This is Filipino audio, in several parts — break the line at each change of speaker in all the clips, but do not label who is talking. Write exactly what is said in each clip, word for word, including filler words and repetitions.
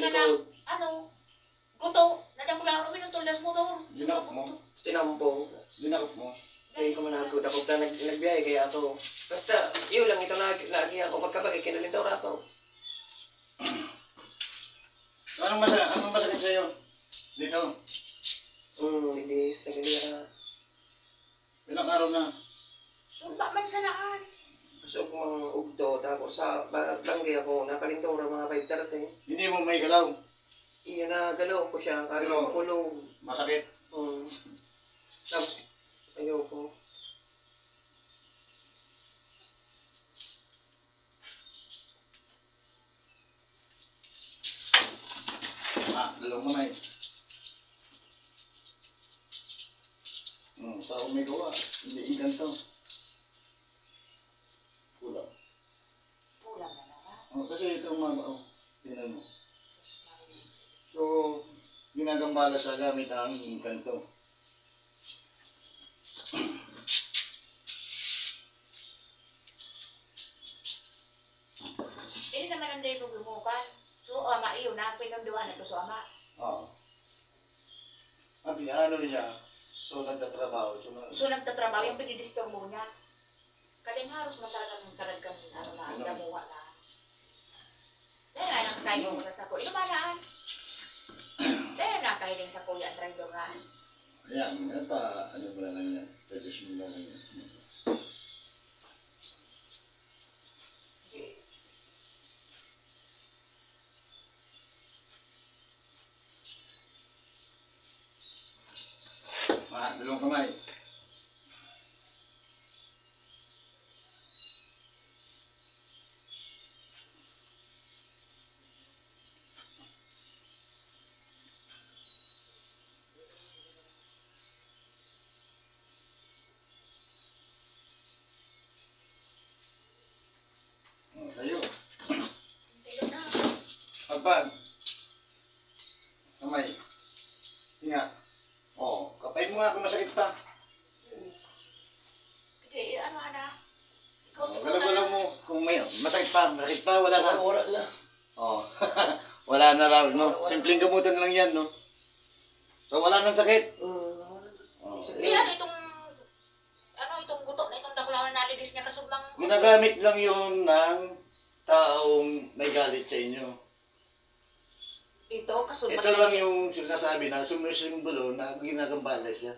nga na, ano, guto, nadamula ko minutol das motor.
Ginakap mo?
Tinampong.
Ginakap mo?
Kaya ko manakot ako na nag, nagbiyahe kaya ako. Basta, iyo lang ito na lagi ako magkabagay, kinalintaw ra ako.
Anong masakit, anong masakit sa'yo? Dito?
Hmm, hindi, nagalira.
Ilang araw na?
Sumba man sa naan.
Gusto ko mga ugto, tapos sa banggay ako, nakalintaw ra mga five thirty.
Hindi mo may galaw?
Iyo na galaw ko siya, kasi
Pero-
kulong.
Masakit?
Hmm. Tapos, ayoko.
Ah, dalawang kamay. Hmm, tao may gawa. Hindi ikan to. Kulang.
Pulang na naman.
Oh, kasi itong mga oh, tingnan mo. So, ginagambala sa gamit ang ikan to.
Ini naman ang day lumukan. So, ama iyo na, pinunduan na to sa ama.
Oo. At ano niya, so nagtatrabaho. So, na,
So, nagtatrabaho yung pinidisturbo niya. Kaling haros man talagang talagang ano na,
Ano?
damuha na. Dahil nga nakakain mo na sa ko. Ino ba naan? Dahil nakakain sa kuya ang driver nga.
ayan, ano pa, ano mo na lang yan. Suggest mo na lang yan. Ah, dalawang kamay. Oh, tayo.
Ayun na.
Pagpag. Kamay. Tinga. Oh, kapay mo nga kung masakit pa.
Okay, ano ana? Ikaw,
Oh,
ikaw
galaw-galaw mo. Kung may masakit pa, masakit pa, wala na.
Wala na.
Oh. Wala na raw, no? Simpleng gamutan lang yan, no? So, wala nang sakit.
Hmm.
Oh.
Di ano itong, ano itong gutok na itong daklaw na nalibis niya kasubang.
Ginagamit lang yun ng taong may galit sa inyo.
Ito, kasubang.
Ito lang yung sinasabi na sumisimbolo na ginagambala siya.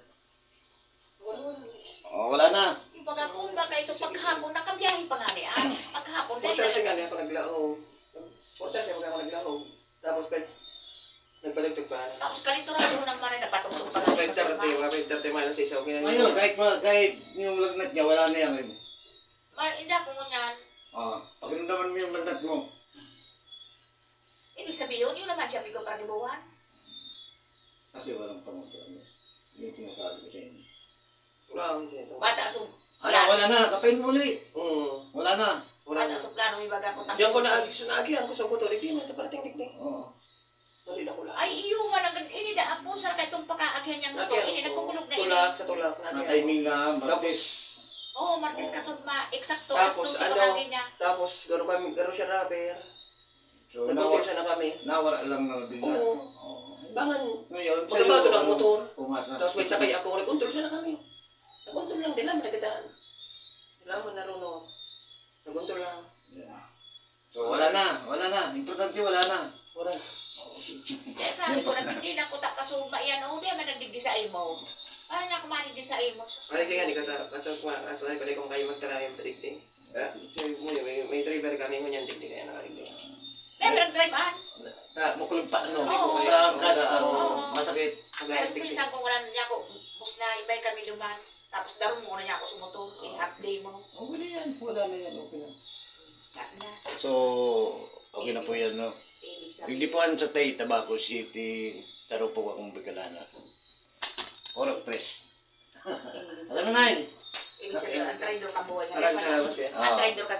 Oh, wala na.
Ibaga kung baka ito paghapon, nakabiyahe pa nga niya. Paghapon dahil.
Portal siya nga niya pa naglahong. Portal siya mga naglahong. Tapos, pwede. Nagbalagtog pa.
Tapos kaliturado naman rin napatungtong pa nga.
five thirty, mga five thirty man sa isaw.
Ngayon, kahit, ma- kahit yung lagnat niya, wala na yan.
Hindi ako ngunyan.
Oh, pakiramdaman mo yung lagnat mo.
Ibig sabihin, yun naman siya bigo para dibuhan.
Kasi walang pangusahan. Yung sinasabi ko sa inyo.
Wala, hindi.
Bata sum.
Wala, wala na. Kapain mo ulit.
Hmm.
Wala na.
Wala
Bata
na.
sum plano, ibaga ko
Diyan ko na sunagihan ko sa kuto. Hindi man sa parating dikdik.
Oo.
Hindi na kula.
Ay, iyo nga lang. Ini da apon sa kay itong pagkaagyan niyang gusto. Ini nagkukulog na ini.
Tulak sa tulak.
Na timing nga,
Tapos,
martes.
Oo, Martes kasod ma. Eksakto.
Tapos,
Tapos,
ano,
pagkaagyan niya.
tapos gano'n kami, gano'n siya rapper.
So,
Nagkutil
nawala,
siya na kami.
nawala lang na bigla.
Oo.
Oo.
Bangan.
Ngayon,
Pagkabato ng
ano,
motor.
Pumasa.
Tapos may sakay ako, nag-untol siya na kami. Nag-untol lang, di lang, nagdaan. Di lang mo narunong. Nag-untol lang.
Yeah. So, wala na. Wala na. Importante, wala na.
Wala.
Kaya sabi ko na, hindi na ko takasuma yan. O, di man nagdigdi sa imo. Paano na kumanig sa imo?
Malig nga, di ka ta, kasal ko nga, kasal ko kung kayo magtara yung padigting. Ha? So, may, may driver kami mo niyan, digdi kaya nakaligdi.
Kaya nag-drive an.
Ta, mukulog pa, ano?
Oo.
Ta, kada araw.
Oo.
Masakit.
Kaya suminsan ko wala niya ako. Bus na ibay kami duman. Tapos daron mo na niya ako sumotor. In-update mo.
Okay na yan. Wala na yan. Okay na.
Kat na.
So, okay na po yan, no?
Ibig
Yung
sabihin.
dipuan sa Tay, Tabaco City, sa Rupog akong Bicolana. Orok tres.
Ibig
Alam na, Nay?
Ibig sabihin, ang trader ka buhay niya.
Maraming salamat, kuya.
Ang trader ka